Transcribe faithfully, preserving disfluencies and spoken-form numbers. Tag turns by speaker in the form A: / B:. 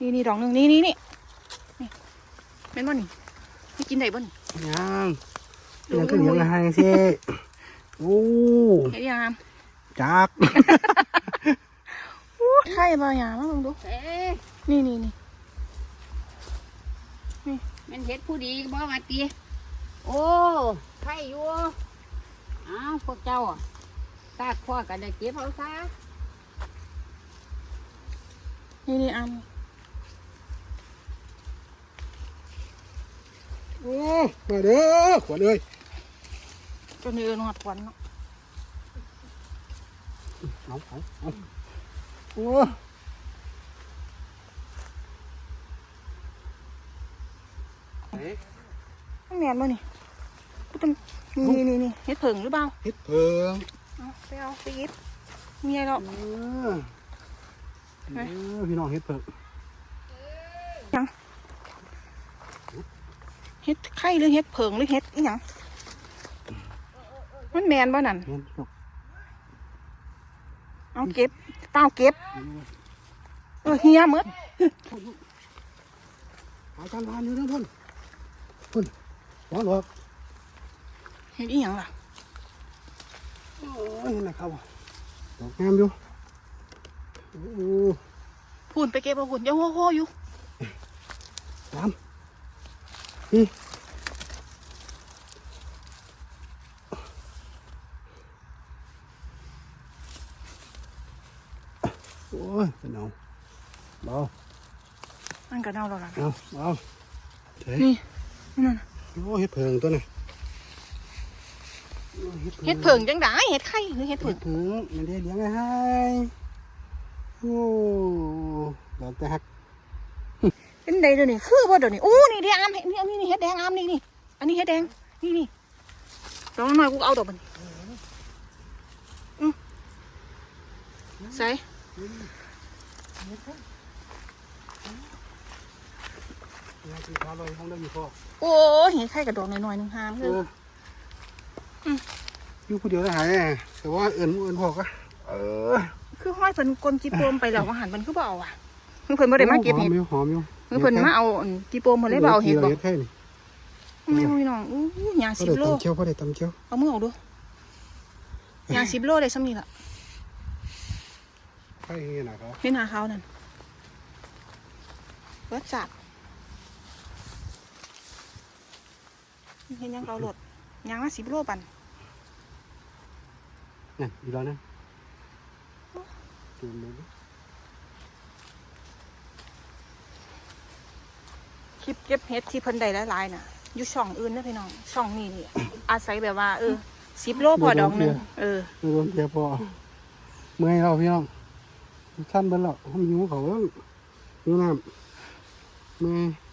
A: นี่นี่ดอกหนึ่งนี่นี่นี่นี่เป็นบ่นี่ไม่กินได้บ่นี่
B: ยังยังก็เหนียวละให้สิโอ้
A: เฮ็ดยัง
B: จัก
A: ไข่บ่หยามาลองดู
C: เอ๊ะ
A: นี่นี่นี่
C: มันเฮ็ดผู้ดีบ่มาตีโอ้ไข่อยู่อ้าวพวกเจ้าอ่ะตาข้อกันได้เก็บเอาซะ
A: นี่นี่อัน
B: โอ้มาเด้อขวดเลย
A: จนเดินหอดควันเนาะ
B: เอาเอาเอาโอ้เอ๊ะ
A: ต้องแมนบ่นี่กูต้องนี่นี่นี่เฮ็ดเผิงหรือเปล่า
B: เฮ็ดเพิง
A: เอาไปเอาไปหยิบมีอะไรหรอก
B: เออเออพี่น้องเฮ็ดเพิง
A: เฮ็ดไข่หรือเฮ็ดเผิงหรือเฮ็ดอีหยังมันแมนบ่นั่น
B: เฮ็ดลูก
A: เอาเก็บเต้าเก็บเออเฮียหมด
B: หาการทานอยู่นะพ่นพ่นหัวหลอก
A: เฮ็ดอีหยังล่ะ
B: โอ้ยนี่นะครับดอกงามอยู่โอ้
A: พูนไปเก็บเอาหุ่นอย่าโห่โห่อยู่
B: ตามนี่โอ้ยเป็นเอาเบา
A: มันก็เน่าแล้วล่ะ
B: เอาเอาเฮ้ย
A: นี่นั่นน่ะ
B: โอ้เฮ็ดเพิงตัวน่ะ
A: เฮ็ดเผิงจังได๋เฮ็ดไข่หรือเฮ็ด
B: เฮ็
A: เผิ
B: ด
A: ง
B: เพิงมันได้เลี้ยงไว้ให้โอ้ดอกแต่ฮัก
A: เป็นไดเดี๋ยวนี้คือบ่เดี๋ยวนี้โอ้นี่แดงอามนี่นี่นี่เฮ็ดแดงอามนี่นี่อันนี้เฮ็ดแดงนี่นี่ดอกน้อยกูเอาดอกมันอือใส่
B: ยาสีขาวลอยห้องได้อยู่พ่อ
A: โอ้เห็นไข่กับดอกน้อยๆนึงหาม
B: เอ
A: เลย
B: ออยู่ผู้เดียวได้หายแต่ว่าเอิญเอิญพ่อก็เออ
A: คือห้อยเพิ่นกลนจีโปมไปแล้วว่าหันมันคือบ่เอาอ่ะเพิ่นบ่ได้มาเก็บเห็ด
B: หอมอยู่หอมอยู่
A: เพิ่นมาเอาอันจีโปมเพิ่นเลยบ่เอาเห็ดบ่
B: เฮ็ดไข่นี่
A: ไม่รู้พี่น้องอู้ยาง
B: พ่อ
A: สิบ
B: ได้
A: โล
B: ตำเชียวพ่อได้ตำเชียว
A: เอามือออกดูยางสิบโลได้ซ้ำนี่ล่ะ
B: ไข่เฮ็ดนะครับ
A: เป็นหาเขานั่นเบิดจับเห็นยังเกาหลดยางละสิบโลปัน
B: นี่อีกแล้วนะจูนเลย
A: คลิปเก็บเห็ดที่เพิ่นได้หลายๆน่ะอยู่ช่องอื่นนะพี่น้องช่องนี้นี่อาศัยแบบว่าเออสิบโลพอดอกหนึงเออ
B: ไม่โดนเทียพอเมื่อยเราพี่น้องท่านเบิ้ลเราห้องหิวเขาหิวน้ำเมื่อย